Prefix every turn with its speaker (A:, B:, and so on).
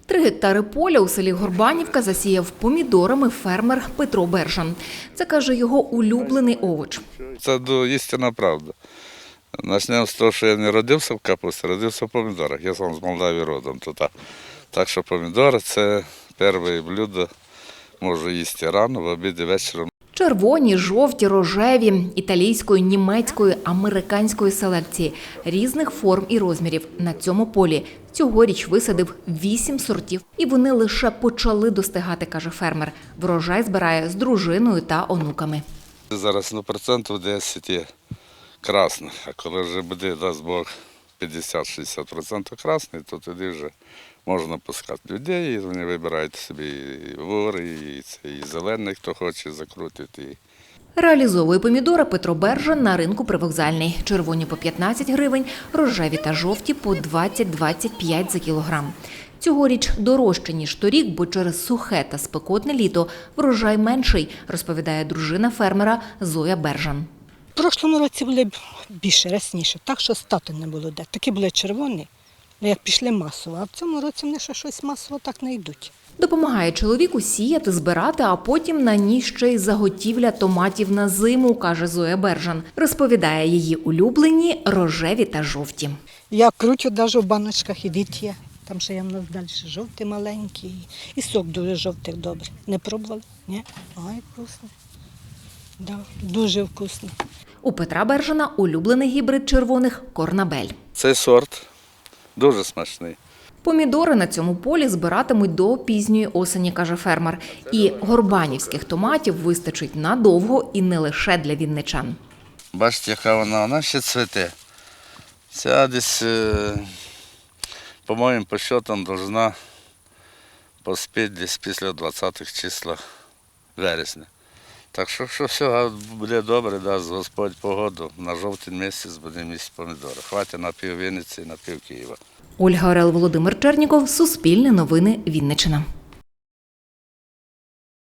A: 3 гектари поля у селі Горбанівка засіяв помідорами фермер Петро Бержан. Це, каже, його улюблений овоч.
B: Це істинна правда. Почнемо з того, що я не родився в капусті, родився в помідорах. Я сам з Молдавії родом. Так що помідори – це перше блюдо, можу їсти рано, в обід і вечором.
A: Червоні, жовті, рожеві, італійської, німецької, американської селекції, різних форм і розмірів. На цьому полі цьогоріч висадив 8 сортів. І вони лише почали достигати, каже фермер. Врожай збирає з дружиною та онуками.
B: Зараз на процентів 10 є красних, а коли вже буде, дасть Бог, 50-60% красних, то тоді вже можна пускати людей, і вони вибирають собі і вори, і зелений, хто хоче закрутити.
A: Реалізовує помідори Петро Бержан на ринку Привокзальний. Червоні по 15 гривень, рожеві та жовті по 20-25 за кілограм. Цьогоріч дорожче, ніж торік, бо через сухе та спекотне літо врожай менший, розповідає дружина фермера Зоя Бержан.
C: В прошлому році були більше, рясніше, так що стату не було де. Такі були червоні, як пішли масово, а в цьому році вони ще щось масово так не йдуть.
A: Допомагає чоловіку сіяти, збирати, а потім на ній ще й заготівля томатів на зиму, каже Зоя Бержан. Розповідає її улюблені рожеві та жовті.
C: Я кручу навіть в баночках, і від є. Там ще є в нас далі жовтий маленький, і сок дуже жовтий добрий. Не пробували? Ні? Ой, вкусно. Да, дуже вкусно.
A: У Петра Бержана улюблений гібрид червоних – Корнабель.
B: Цей сорт дуже смачний.
A: Помідори на цьому полі збиратимуть до пізньої осені, каже фермер. І горбанівських томатів вистачить надовго і не лише для вінничан.
B: Бачите, яка вона ще цвіте. Ця десь, по моїм підсчетам, повинна поспіти десь після 20-х числа вересня. Так що все буде добре, дасть Господь погоду. На жовтень місяць будемо їсти помідори. Хватить на пів Вінниці, на пів Києва.
A: Ольга Орел, Володимир Черніков, Суспільне новини, Вінниччина.